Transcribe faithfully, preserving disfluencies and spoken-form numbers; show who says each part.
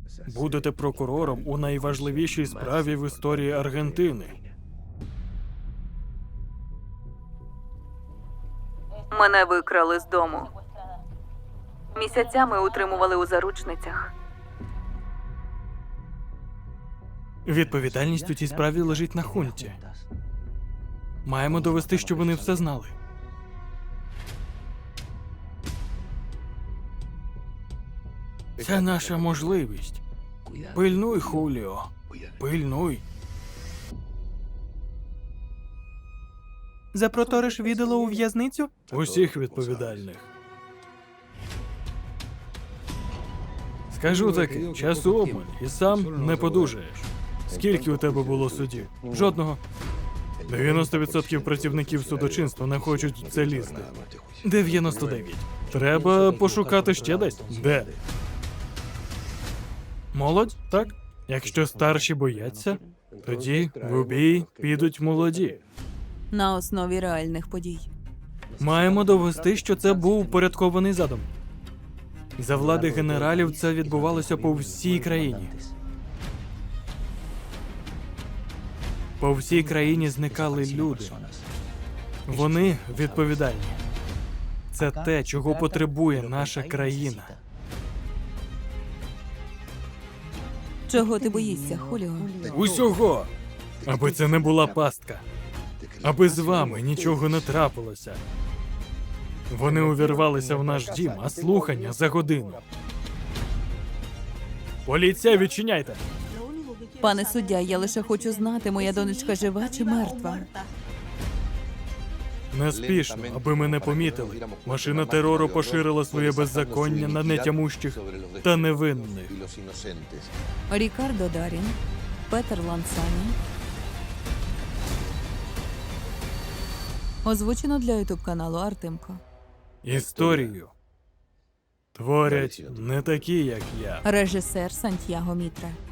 Speaker 1: Будете прокурором у найважливішій справі в історії Аргентини.
Speaker 2: Мене викрали з дому. Місяцями утримували у заручницях.
Speaker 1: Відповідальність у цій справі лежить на хунті. Маємо довести, що вони все знали. Це наша можливість. Пильнуй, Хуліо. Пильнуй.
Speaker 3: Запроториш віддало у в'язницю?
Speaker 1: Усіх відповідальних. Скажу таки, часу обмаль, і сам не подужаєш. Скільки у тебе було судів? Жодного. дев'яносто відсотків працівників судочинства не хочуть в це лізти. дев'яносто дев'ять. Треба пошукати ще десь. Де? Молодь, так? Якщо старші бояться, тоді в бій підуть молоді.
Speaker 2: На основі реальних подій.
Speaker 1: Маємо довести, що це був упорядкований задум. За влади генералів це відбувалося по всій країні. По всій країні зникали люди. Вони відповідальні. Це те, чого потребує наша країна.
Speaker 2: Чого ти боїшся, Хуліо?
Speaker 1: Усього! Аби це не була пастка. Аби з вами нічого не трапилося. Вони увірвалися в наш дім, а слухання за годину. Поліція, відчиняйте!
Speaker 2: Пане суддя, я лише хочу знати, моя донечка жива чи мертва.
Speaker 1: Неспішно, аби ми не помітили. Машина терору поширила своє беззаконня на нетямущих та невинних.
Speaker 2: Рікардо Дарін, Петер Лансані. Озвучено для ютуб-каналу Артемко.
Speaker 1: Історію творять не такі, як я.
Speaker 2: Режисер Сантьяго Мітра.